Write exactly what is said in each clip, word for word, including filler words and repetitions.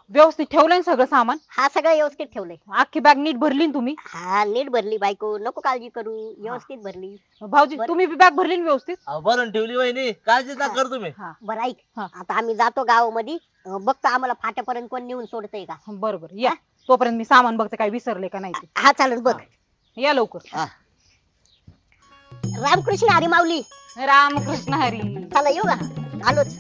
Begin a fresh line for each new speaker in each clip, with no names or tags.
व्यवस्थित ठेवलंय ना सगळं सामान?
हा सगळं व्यवस्थित ठेवलंय.
अख्खी बॅग नीट भरली ना तुम्ही?
हा नीट भरली बायको, नको काळजी करू, व्यवस्थित भरली.
भाऊजी
बरं.
तुम्ही बी बॅग भरली ना व्यवस्थित?
अहो, भरून ठेवली वहिनी, काळजीच ना
हा.
कर तुम्ही.
हा
बरं ऐक,
हा.
आता आम्ही जातो गावामध्ये, अं, बघतो आम्हाला फाट्यापर्यंत कोण नेऊन सोडतंय का.
बरोबर या. तोपर्यंत मी सामान बघते काय विसरले का नाही ते.
हा चालेल बघ.
या लवकर.
हा.
रामकृष्ण हरी माऊली.
रामकृष्ण हरी.
चला येऊ का, आलोच.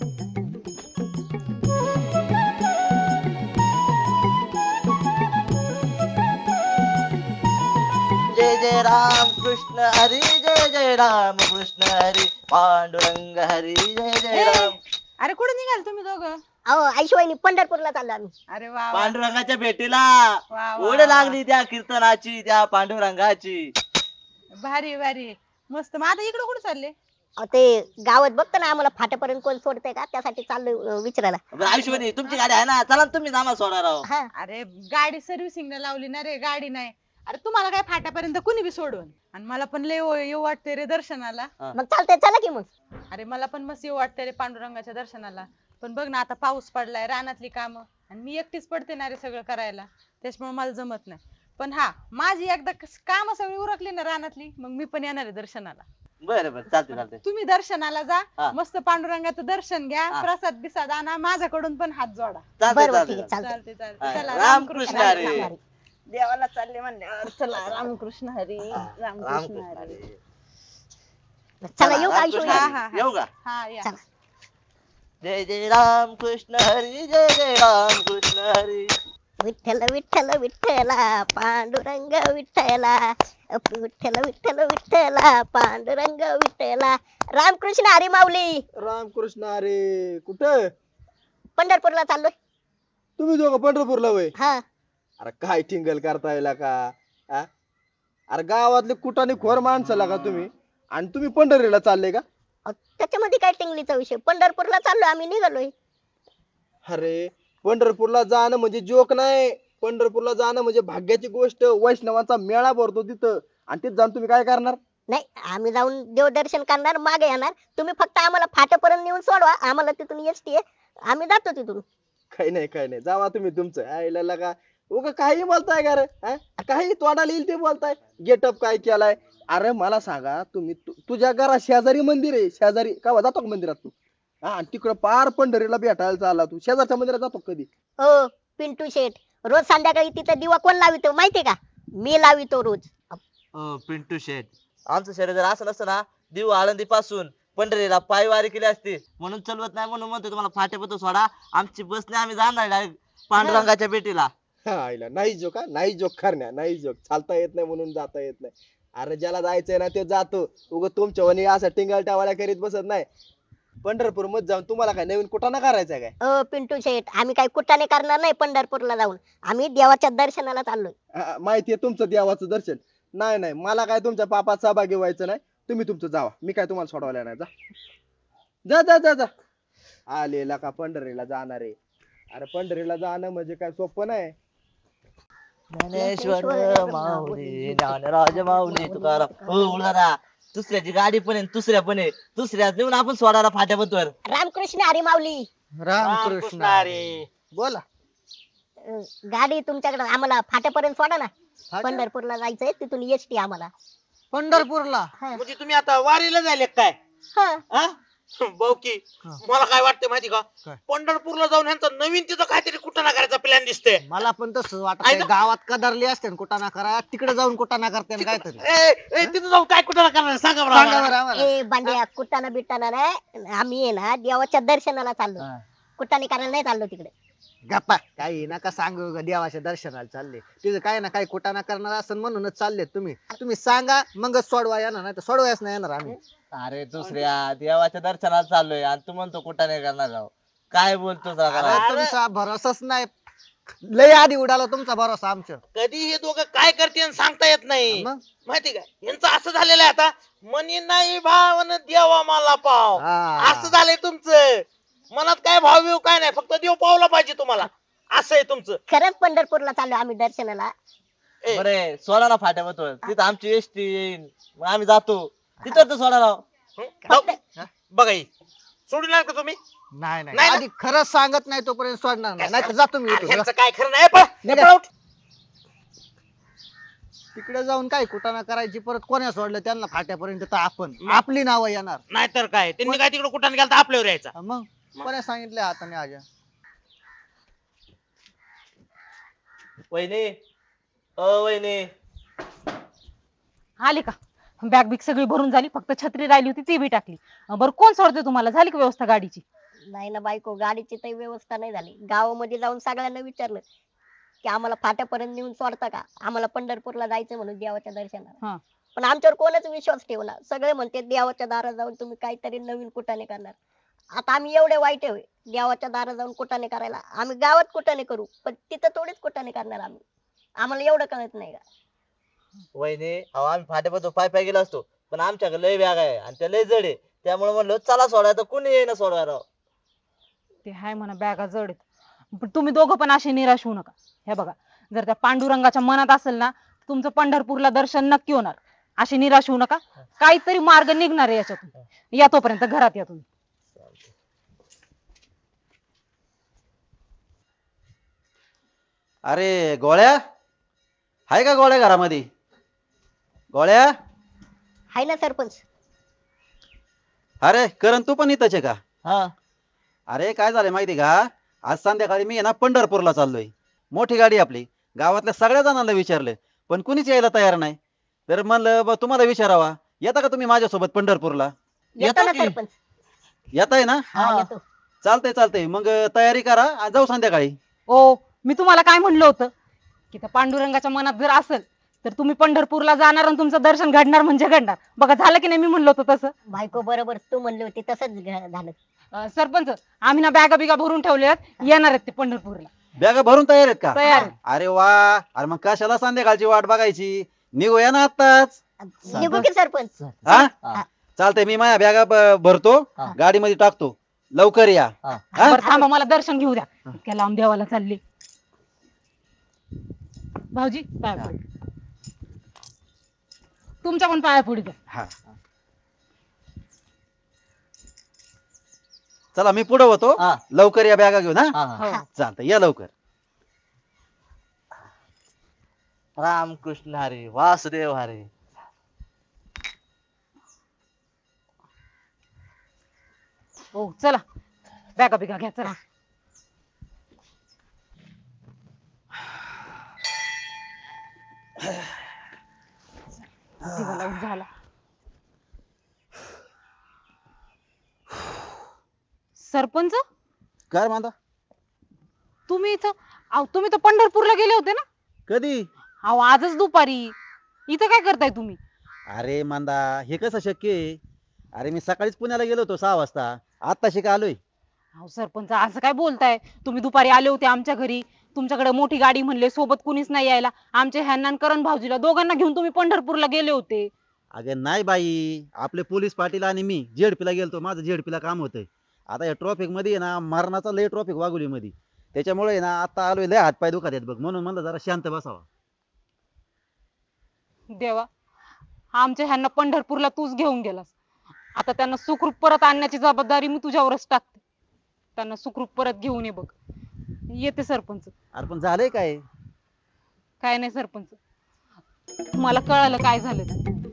जय जय राम कृष्ण हरी, जय जय राम कृष्ण हरी, पांडुरंग हरी, जय जय राम.
अरे कुठे निघाल तुम्ही दोघं?
अहो आईशिवायनी पंढरपूरला चाललो आम्ही.
अरे वा वा.
पांडुरंगाच्या भेटीला
वा, वा,
ओढ
वा.
लागली त्या कीर्तनाची, त्या पांडुरंगाची.
भारी भारी मस्त. मग आता इकडे कुठे चालले?
अहो, ते गावात बघतो ना आम्हाला फाट्यापर्यंत कोण सोडतंय का, त्यासाठी चाललोय अं, विचारायला.
बरं, आयुष्यवाणी तुमची गाडी आहे ना, चला ना तुम्ही आम्हाला सोडा राव.
हा
अरे गाडी सर्व्हिसिंगला लावली ना रे, गाडी नाही. अरे तुम्हाला काय फाट्यापर्यंत कुणी बी सोडून. आणि मला पण लय येऊ येऊ वाटते रे दर्शनाला.
मग चालतंय, चला की मग.
अरे मला पण मस्त येऊ वाटते रे पांडुरंगाच्या दर्शनाला. पण बघ ना आता पाऊस पडलाय, रानातली कामं, आणि मी एकटीच पडते ना रे सगळं करायला, त्याच्यामुळे मला जमत नाही. पण हा माझी एकदा काम सगळी उरकली ना रानातली, मग मी पण येणार आहे दर्शनाला.
बरं बरं, चालते चालते.
तुम्ही दर्शनाला जा,
हा.
मस्त पांडुरंगाचं दर्शन घ्या,
हा.
प्रसाद बिसाद आणा, माझ्याकडून पण हात जोडा.
चालते
बरं बरं ठीक आहे,
चालते.
चालतंय.
चालते चालते.
हा.
चला
रामकृष्ण
रामकृष्ण
हरी.
हरी. देवाला चालले म्हणल्यावर चला रामकृष्ण हरी, रामकृष्ण
रामकृष्ण
हरी.
हरी.
चला येऊ का
रामकृष्ण
आईशिवाय.
हा,
हरी.
हा, हा.
येऊ का?
हा या.
चला.
जय जय राम कृष्ण हरी, जय जय राम कृष्ण हरी.
विठ्ठल विठ्ठल विठ्ठला पांडुरंग विठ्ठला, विठ्ठल विठ्ठल विठ्ठला पांडुरंग विठ्ठला. रामकृष्ण हरी माऊली.
रामकृष्ण अरे कुठं
पंढरपूरला चाललोय.
तुम्ही दोघं पंढरपूरला वय?
हा
अरे काय टिंगल करताय का आ? अरे गावातले कुटाने खोर माणसाला का तुम्ही, आणि तुम्ही पंढरीला चालले का?
अहो, त्याच्यामध्ये काय टिंगलीचा विषय, पंढरपूरला चाललोय आम्ही, निघालोय.
अरे पंढरपूरला जाणं म्हणजे जोक नाही, पंढरपूरला जाणं म्हणजे भाग्याची गोष्ट. वैष्णवांचा मेळा भरतो तिथं, आणि तिथं जाऊन तुम्ही काय करणार?
नाही आम्ही जाऊन देवदर्शन करणार, मागे येणार. तुम्ही फक्त आम्हाला फाट्यापर्यंत नेऊन सोडवा, आम्हाला तिथून एसटी आहे, आम्ही जातो तिथून.
काही नाही काही नाही, जावा तुम्ही तुमचं. आईला का उगा काही बोलताय का रे हा? काही तोंडाला येईल ते बोलताय. गेटअप काय केलाय? अरे मला सांगा तुम्ही, तु- तुझ्या घरा शेजारी मंदिर आहे, शेजारी का जातो का मंदिरात तू? हा, आणि तिकडं पार पंढरीला भेटायला चालला तू, शेजारच्या मंदिरात जातो का कधी?
हो पिंटू शेठ, रोज संध्याकाळी तिथं दिवा कोण लावितो माहितीये का? मी लावितो रोज.
अ, पिंटू शेठ, आमचं शरीर जर असं नसतं ना, देऊ आळंदी पासून पंढरीला पायवारी केली असती. म्हणून चलवत नाही, म्हणून म्हणतो तुम्हाला फाट्यापत सोडा. आमची बसने आम्ही जाणार डायरेक्ट पांडुरंगाच्या भेटीला.
हा, आईला नाही जोक, का नाही जोक करण्या, नाही जोक. चालता येत नाही म्हणून जाता येत नाही. अरे ज्याला जायचंय ना ते जातो. उग तुमच्या वनी असं टिंगल टावाळ्या करीत बसत नाही. पंढरपूर मध्ये जाऊन तुम्हाला काय नवीन कुटाणा करायचा काय?
अ पिंटू शेठ, आम्ही काही कुटाने करणार नाही पंढरपूरला जाऊन, आम्ही देवाच्या दर्शनाला चाललोय.
हा, माहितीये तुमचं देवाचं दर्शन. नाही नाही, मला काय तुमच्या पापात सहभागी व्हायचं नाही. तुम्ही तुमचं जावा, मी काय तुम्हाला सोडवायला नाही. जा जा जा जा जा. आलेला का पंढरीला जाणार आहे? अरे पंढरीला जाणं म्हणजे काय सोपं नाही.
ज्ञानेश्वर माऊली, ज्ञानराज माऊली तुकाराम. हो उलारा, दुसऱ्याची गाडी पण आहे, दुसऱ्या पण आहे, दुसऱ्या नेऊन आपण सोडायला फाट्यापतवर.
रामकृष्ण हरी माऊली.
रामकृष्ण हरी.
बोला.
अ, गाडी तुमच्याकडे, आम्हाला फाट्यापर्यंत सोडा ना. पंढरपूरला जायचंय, तिथून एसटी आम्हाला.
पंढरपूरला
हा.
म्हणजे तुम्ही आता वारीला जायले काय?
हा.
हा? भाऊकी, मला काय वाटतं माहिती का,
काय?
पंढरपूरला जाऊन ह्यांचा नवीन तिथं काहीतरी कुठं करायचा प्लॅन दिसतोय.
मला पण तसंच वाटत
आहे ना?
गावात कदरली असते ना कुटाणा करा, तिकडे जाऊन कुटाणा करते काहीतरी.
ए, ए, तिथं जाऊन काय कुठं करणार सांगा बरं
सांगा
आम्हाला.
बरं आम्हाला.
ए बांड्या, कुटाना बिटाना नाही, आम्ही आहे ना देवाच्या दर्शनाला चाललो,
हा.
कुटाने करायला नाही चाललो तिकडे.
गप्पा काही नका सांगू ग, देवाच्या दर्शनाला चालले तिथे काय ना काही कुटाणा करणार असं म्हणूनच चालले तुम्ही. तुम्ही सांगा मग सोडवा येणार, नाही तर सोडवायच नाही येणार आम्ही.
अरे दुसऱ्या देवाच्या दर्शनाला चाललोय आणि तू म्हणतो कुठं नाही करणार राव. काय बोलतो
अरे, तुमचा भरोसाच नाही, लय आधी उडाला तुमचा भरोसा आमच्या.
कधी हे दोघं काय करते सांगता येत नाही.
मग?
माहिती का यांचं असं झालेलं आहे आता, मनी नाही भावन देवा मला पाव.
हा.
असं झालंय तुमचं. मनात काय भाव बिव काय नाही, फक्त देव पावला पाहिजे तुम्हाला. असं आहे तुमचं.
खरंच पंढरपूरला चाललो आम्ही दर्शनाला.
ए,
बरे सोडा ना फाट्यापतवर, तिथं आमची एसटी येईल, मग आम्ही जातो तिथं तर सोडा राव.
हं? भाऊ, बघा ही सोडून का तुम्ही?
नाही नाही
नाही ना?
आधी खरंच सांगत नाही तोपर्यंत सोडणार नाही नाहीतर जातो मी इथून.
ह्यांचं काय खरं नाही पळ.
निघा.
पळ उठ.
तिकडे जाऊन काय कुटाणा करायची परत कोण्या सोडलं त्यांना फाट्यापर्यंत तर आपण आपली नावं येणार.
नाहीतर काय त्यांनी काय तिकडे कुठं गेला तर आपल्यावर यायचा.
हा मग कोण्या सांगितलं हाताने आजा.
वहिनी अ वहिनी
आली का बॅग बिग सगळी भरून झाली फक्त छत्री राहिली होती ती बी टाकली अं, बरं कोण सोडते तुम्हाला झाली का व्यवस्था गाडीची?
नाही ना बायको, गाडीची काही व्यवस्था नाही झाली. गावामध्ये जाऊन सगळ्यांना विचारलं की आम्हाला फाट्यापर्यंत नेऊन सोडता का, आम्हाला पंढरपूरला जायचं म्हणून देवाच्या
हा.
दर्शनाला. पण आमच्यावर कोणच विश्वास ठेवला. सगळे म्हणते देवाच्या दारात जाऊन तुम्ही काहीतरी नवीन कुटाने करणार. आता आम्ही एवढे वाईट आहे देवाच्या दारात जाऊन कुटाने करायला? आम्ही गावात कुटाने करू पण तिथं थोडीच कुटाने करणार आम्ही. आम्हाला एवढं कळत नाही का?
वहिनी अहो आम्ही फाट्यापासून पाय पाय गेलो असतो पण आमच्याकडे लय बॅग आहे आणि त्या लय जड आहे त्यामुळे म्हणलं चला सोडायला कोणी येईना सोडवायला राव.
ते हाय म्हणा बॅगा जड आहेत पण तुम्ही दोघं पण असे निराश होऊ नका. हे बघा जर त्या पांडुरंगाच्या मनात असेल ना तुमचं पंढरपूरला दर्शन नक्की होणार. असे निराश होऊ नका, काहीतरी मार्ग निघणार आहे याच्यातून. या तोपर्यंत घरात या तुम्ही.
अरे गोळ्या हाय का गोळ्या घरामध्ये? गोळ्या
हाय ना सरपंच.
अरे करण तू पण इथंच आहे का?
हा
अरे काय झालंय माहिती का, आज संध्याकाळी मी आहे ना पंढरपूरला चाललोय. मोठी गाडी आपली, गावातल्या सगळ्या जणांना विचारलं पण कुणीच यायला तयार नाही. तर म्हणलं बा तुम्हाला विचारावा, येता का तुम्ही माझ्यासोबत पंढरपूरला?
येतो ना
की?
सरपंच.
येताय ना?
हा येतो.
चालतंय चालतंय मग तयारी करा आणि जाऊ संध्याकाळी.
ओ मी तुम्हाला काय म्हणलं होतं की त्या पांडुरंगाच्या मनात जर असेल तर तुम्ही पंढरपूरला जाणार आणि तुमचं दर्शन घडणार म्हणजे घडणार. बघा झालं की नाही मी म्हणलं होतं तसं.
बायको बरोबर तू म्हणली होती तसंच घ- झालं.
अं, सरपंच आम्ही ना बॅगा बिगा भरून ठेवल्या येणार आहेत ते पंढरपूरला.
बॅगा भरून तयार आहेत का?
तयार आहेत.
अरे वा, अरे मग कशाला संध्याकाळची वाट बघायची, निघूया ना आत्ताच.
निघू की सरपंच?
हा
हा.
चालतंय, मी माझ्या बॅगा ब- भरतो,
हा.
गाडीमध्ये टाकतो, लवकर या.
हा.
हा?
बरं थांबा मला दर्शन घेऊ द्या. इतक्या लांब देवाला चालली. भाऊजी पाया पडू. तुमच्या पण पाया पडू द्या.
हा. चला मी पुढे होतो,
हा.
लवकर या बॅगा घेऊन. हा
हा, हा.
हो.
चालतंय, या लवकर.
रामकृष्ण हरी वासुदेव हरी.
हो चला बॅगा बिगा घ्या चला. दिवा लावून झाला. सरपंच
काय म्हणता?
तुम्ही इथं अहो तुम्ही तर पंढरपूरला गेले होते ना?
कधी?
अहो आजच दुपारी. इथं काय करताय तुम्ही?
अरे मांदा, हे कसं शक्य आहे? अरे मी सकाळीच पुण्याला गेलो होतो सहा वाजता, आता शिका आलोय.
अहो सरपंच असं काय बोलताय? तुम्ही दुपारी आले होते आमच्या घरी, तुमच्याकडे मोठी गाडी म्हणले, सोबत कुणीच नाही यायला. आमच्या ह्यांना आणि करण भाऊजीला दोघांना घेऊन तुम्ही पंढरपूरला गेले होते.
अगे नाही बाई, आपले पोलीस पाटील आणि मी जेडपीला गेलतो, माझं जेडपीला काम होतंय. आता या ट्रॉफिक मध्ये आहे ना, मरणाचा लय ट्रॉफिक वाघोली मध्ये, त्याच्यामुळे आहे ना आता आलोय, लय हातपाय दुखत आहेत बघ, म्हणून म्हणलं जरा शांत बसावा.
देवा आमच्या ह्यांना पंढरपूरला तूच घेऊन गेलास. आता त्यांना सुखरूप परत आणण्याची जबाबदारी मी तुझ्यावरच टाकते. त्यांना सुखरूप परत घेऊन ये बघ. येते सरपंच.
अरे पण झालंय काय?
काय नाही सरपंच, मला कळालं काय झालं ते.